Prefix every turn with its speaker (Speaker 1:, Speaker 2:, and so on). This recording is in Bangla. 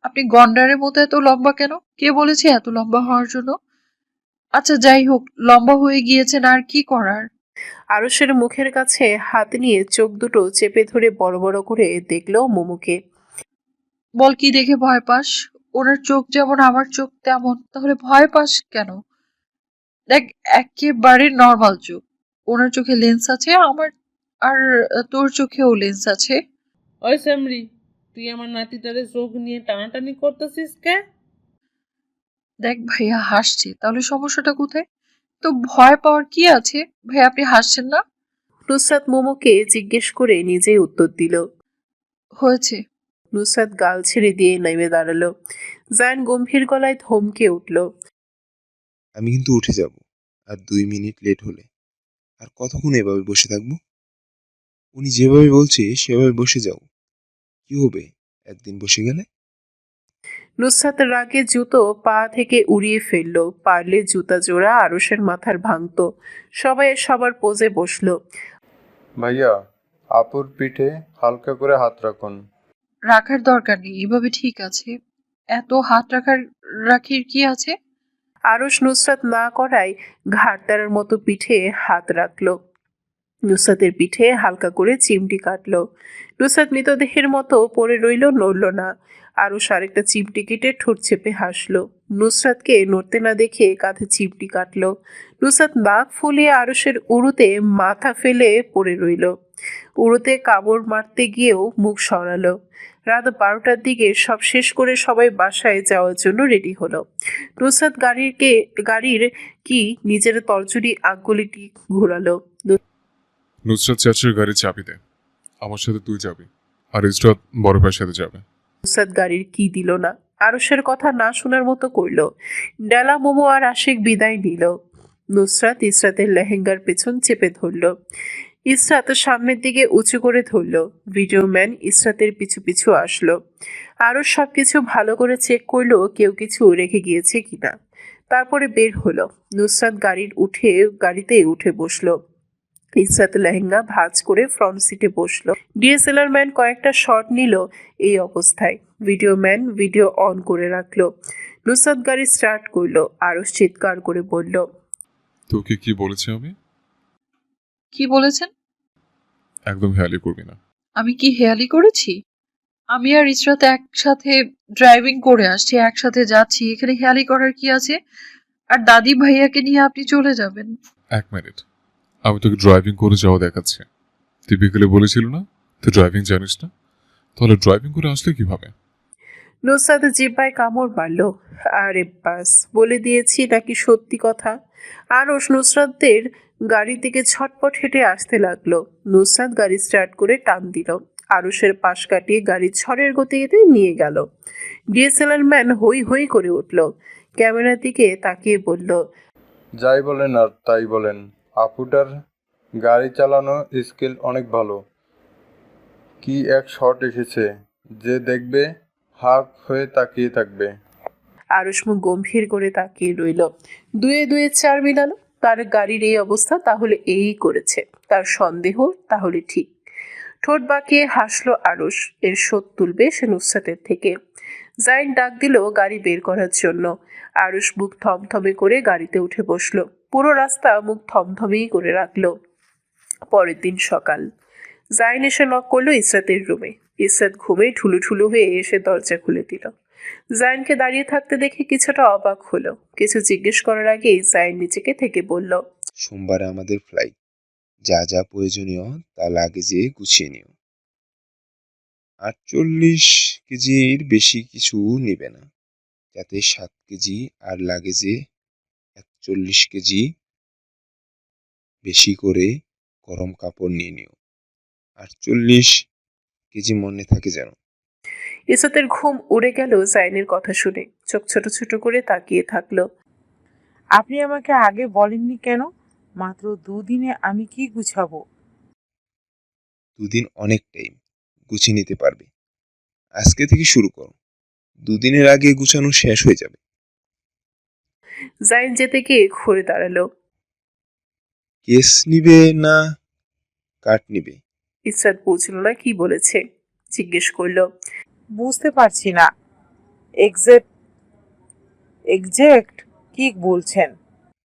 Speaker 1: আপনি গন্ডারের মতো এত লম্বা কেন? কে বলেছে এত লম্বা হওয়ার জন্য? আচ্ছা যাই হোক, লম্বা হয়ে গিয়েছেন আর কি করার।
Speaker 2: আরুষের মুখের কাছে হাত নিয়ে চোখ দুটো চেপে ধরে বড় বড় করে দেখলো মোমোকে।
Speaker 1: বল কি দেখে ভয় পাস? ওনার চোখ যেমন আমার চোখ তেমন, তাহলে ভয় পাস কেন? দেখ, একেবারে নর্মাল চোখ। ওনার চোখে লেন্স আছে, আমার আর তোর চোখেও লেন্স আছে।
Speaker 3: ওই স্যামরি, তুই আমার নাতিটারে চোখ নিয়ে টানাটানি করতেছিস কে?
Speaker 1: দেখ ভাইয়া হাসছে, তাহলে সমস্যাটা কোথায়? তো ভয় পাওয়ার কি আছে? ভাই আপনি হাসছেন না?
Speaker 2: নুসরাত মোমোকে জিজ্ঞেস করে নিজেই উত্তর দিল।
Speaker 1: হয়েছে।
Speaker 2: নুসরাত গাল ছেড়ে দিয়ে নেমে দাঁড়ালো। জায়ান গম্ভীর গলায় থমকে উঠল।
Speaker 4: আমি কিন্তু উঠে যাব, আর 2 মিনিট লেট হলে। আর কতক্ষণ এভাবে বসে থাকবো? উনি যেভাবে বলছে সেভাবে বসে যাও। কি হবে একদিন বসে গেলে?
Speaker 2: নুসরাত রাগে জুতো পা থেকে উড়িয়ে ফেললো। পারলে জুতা জোড়া আরুষের মাথার ভাঙতো। সবাই সবার পোজে বসলো।
Speaker 5: ভাইয়া, আপুর পিঠে হালকা করে হাত রাখুন।
Speaker 1: রাখার দরকার নেই, এভাবে ঠিক আছে। এত হাত রাখির কি আছে?
Speaker 2: আরুষ নুসরাত না করায় ঘাড়তারার মতো পিঠে হাত রাখলো। নুসরাতের পিঠে হালকা করে চিমটি কাটলো। নুসরাত মৃতদেহের মতো পড়ে রইল, নড়ল না। আরুষ আরেকটা চিমটি কেটে ঠোঁট চেপে হাসলো। নুসরাতকে নড়তে না দেখে কাঁধে চিমটি কাটলো। নুসরাত নাক ফুলিয়ে আরুষের উড়ুতে মাথা ফেলে পড়ে রইল। উড়ুতে কামড় মারতে গিয়েও মুখ সরালো। রাত 12টার দিকে সব শেষ করে সবাই বাসায় যাওয়ার জন্য রেডি হলো। নুসরাত গাড়ির কি নিজের তরজুরি আঙ্গুলিটি ঘোরালো।
Speaker 6: নুসরাত চাচির গাড়ির চাবি দে, আমার সাথে তুই যাবি, আর ইসরাত বড় ভাইয়ের সাথে যাবে।
Speaker 2: নুসরাত গাড়ির কি দিল না। আরুষের কথা না শোনার মতো করল। ডেলা মোমো আর আশিক বিদায় নিল। নুসরাত ইসরাতের লেহেঙ্গার পেছন চেপে ধরল। ইসরাত সামনের দিকে উঁচু করে ধরল। ভিডিও ম্যান ইসরাতের পিছু পিছু আসলো। আরুষ সবকিছু ভালো করে চেক করলো কেউ কিছু রেখে গিয়েছে কিনা। তারপরে বের হলো। নুসরাত গাড়িতে উঠে বসলো। ইসরাত লেহেঙ্গা ভাঁজ করে ফ্রন্ট সিটে বসলো। ডিএসএলআর ম্যান কয়েকটা শট নিল এই অবস্থায়। ভিডিও ম্যান ভিডিও অন করে রাখলো। নুসরাত গাড়ি স্টার্ট করলো। আরুষ চিৎকার করে বলল,
Speaker 6: তোকে কি বলেছি আমি?
Speaker 1: কি বলেছেন?
Speaker 6: একদম হেয়ালি করবি না।
Speaker 1: আমি কি হেয়ালি করেছি? আমি আর ইসরাত একসাথে ড্রাইভিং করে আসছি, একসাথে যাচ্ছি, এখানে হেয়ালি করার কি আছে? আর দাদি ভাইয়াকে নিয়ে আপনি চলে যাবেন?
Speaker 6: 1 মিনিট, আমি তোকে ড্রাইভিং করে যাওয়া দেখাচ্ছি। তুই বিকেলে বলেছিল না তুই ড্রাইভিং জানিস না, তাহলে ড্রাইভিং করে আসলে কিভাবে?
Speaker 2: নুসরাত জিহ্বায় কামড় মারল। আরে বাস, বলে দিয়েছি নাকি সত্যি কথা। আরুষ নুসরাতদের গাড়ির দিকে ছটপট হেঁটে আসতে লাগলো। নুসরাত গাড়ি স্টার্ট করে টান দিল। আরুষের পাশ কাটিয়ে গাড়ি ঝড়ের গতিতে নিয়ে গেল। ডিএসএলআর ম্যান হই হই করে উঠল। ক্যামেরার দিকে তাকিয়ে বলল,
Speaker 5: যাই বলেন আর তাই বলেন, আপুটার গাড়ি চালানো স্কিল অনেক ভালো। কি এক শট এসেছে, যে দেখবে হাঁ হয়ে তাকিয়ে থাকবে।
Speaker 2: আরুষ মুখ গম্ভীর করে তাকিয়ে রইল। দুয়ে দুয়ে চার মিলালো। তার গাড়ির এই অবস্থা তাহলে এই করেছে। তার সন্দেহ তাহলে ঠিক। ঠোঁট বাঁকিয়ে হাসলো আরুষ। এর শোধ তুলবে সে নুসরাতের থেকে। জাইন ডাক দিল গাড়ি বের করার জন্য। আরুষ মুখ থমথমে করে গাড়িতে উঠে বসলো। পুরো রাস্তা মুখ থমথমেই করে রাখলো। পরের দিন সকাল। জাইন এসে নক করলো ইসরাতের রুমে। ইসরাত ঘুমে ঠুলু হয়ে এসে দরজা খুলে দিল। জাইনকে দাঁড়িয়ে থাকতে দেখে কিছুটা অবাক হলো। কিছু জিজ্ঞেস করার আগেই জাইন নিজেকে থেকে বলল,
Speaker 4: সোমবারে আমাদের ফ্লাইট। যা যা প্রয়োজনীয় তা লাগেজে গুছিয়ে নিও। 48 কেজির বেশি কিছু নেবে না, যাতে 7 কেজি, আর লাগেজে 41 কেজি বেশি করে গরম কাপড় নিয়ে নিও। 48 কেজি মনে থাকে যেন।
Speaker 2: ইসরাতের ঘুম উড়ে গেল জাইনের কথা শুনে। চোখ ছোট ছোট করে তাকিয়ে থাকলো।
Speaker 7: আপনি আমাকে আগে বলেননি কেন? মাত্র 2 দিনে আমি কি গুছাবো?
Speaker 4: 2 দিন অনেক টাইম, গুছিয়ে নিতে পারবে। আজকে থেকে শুরু করো, 2 দিনের আগে গুছানো শেষ হয়ে যাবে।
Speaker 2: জাইন যেতে গিয়ে ঘুরে দাঁড়ালো।
Speaker 4: কেস নিবে না কাঠ নিবে?
Speaker 2: ইসরাত বুঝলো না কি বলেছে। জিজ্ঞেস করলো,
Speaker 7: বুঝতে পারছি না। এক্সাক্ট এক্সাক্ট কি বলছেন?